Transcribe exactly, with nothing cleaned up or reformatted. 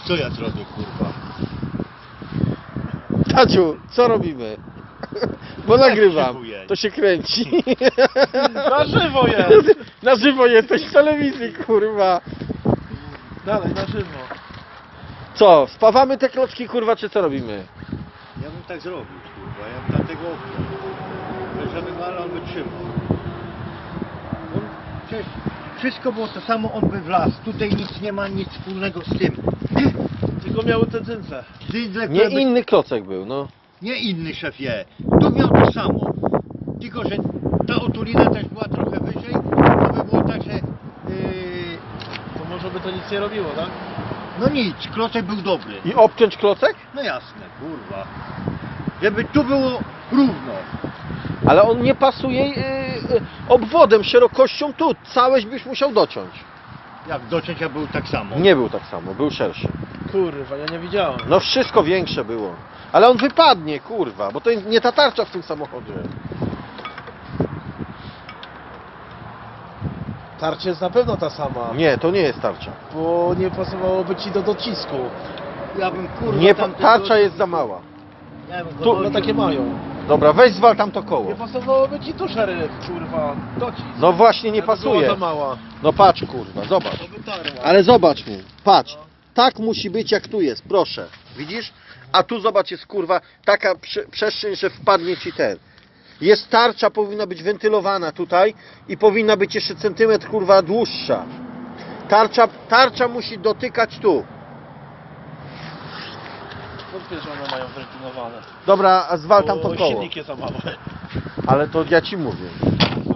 Co ja zrobię, kurwa? Taciu, co robimy? Bo Jak nagrywam, żywo to się kręci. Na żywo jest! Na żywo jesteś w telewizji, kurwa. Dalej, na żywo. Co, spawamy te klocki, kurwa, czy co robimy? Ja bym tak zrobił, kurwa. Ja bym dlatego żeby ale on wytrzymał. On, przecież wszystko było to samo, on by wlazł. Tutaj nic nie ma nic wspólnego z tym. Tylko miały te dzyndze. Dydle, Nie które by- inny klocek był, no. nie inny szefie. Tu miał to samo. Tylko, że ta otulina też była trochę wyżej. To by było tak, że... Yy, To może by to nic nie robiło, tak? no nic, klocek był dobry. I obciąć klocek? No jasne, kurwa. Żeby tu było równo. Ale on nie pasuje yy, yy, obwodem, szerokością tu. Całość byś musiał dociąć. Jak dociąć, a był tak samo. Nie był tak samo, był szerszy. Kurwa, ja nie widziałem. No wszystko większe było. Ale on wypadnie, kurwa, bo to nie ta tarcza w tym samochodzie. Tarcza jest na pewno ta sama. Nie, to nie jest tarcza. Bo nie pasowałoby ci do docisku. Ja bym kurwa Nie, pa- tamtego- tarcza jest za mała. Ja bym go Tu- No dociął. takie mają. Dobra, weź zwal tam to koło. Nie pasowałoby ci tu szeryf, kurwa, docisk. No właśnie, nie Jakby była pasuje. za mała. No patrz, kurwa, zobacz. To wytarła. Ale zobacz mi, patrz. Tak musi być jak tu jest, proszę. Widzisz? A tu zobacz, jest kurwa taka prze przestrzeń, że wpadnie ci ten. Jest tarcza, powinna być wentylowana tutaj i powinna być jeszcze centymetr kurwa dłuższa. Tarcza, tarcza musi dotykać tu. Wątpię, że one mają wentylowane. Dobra, a zwal tam to Bo koło. silnik jest za mały. Ale to ja ci mówię.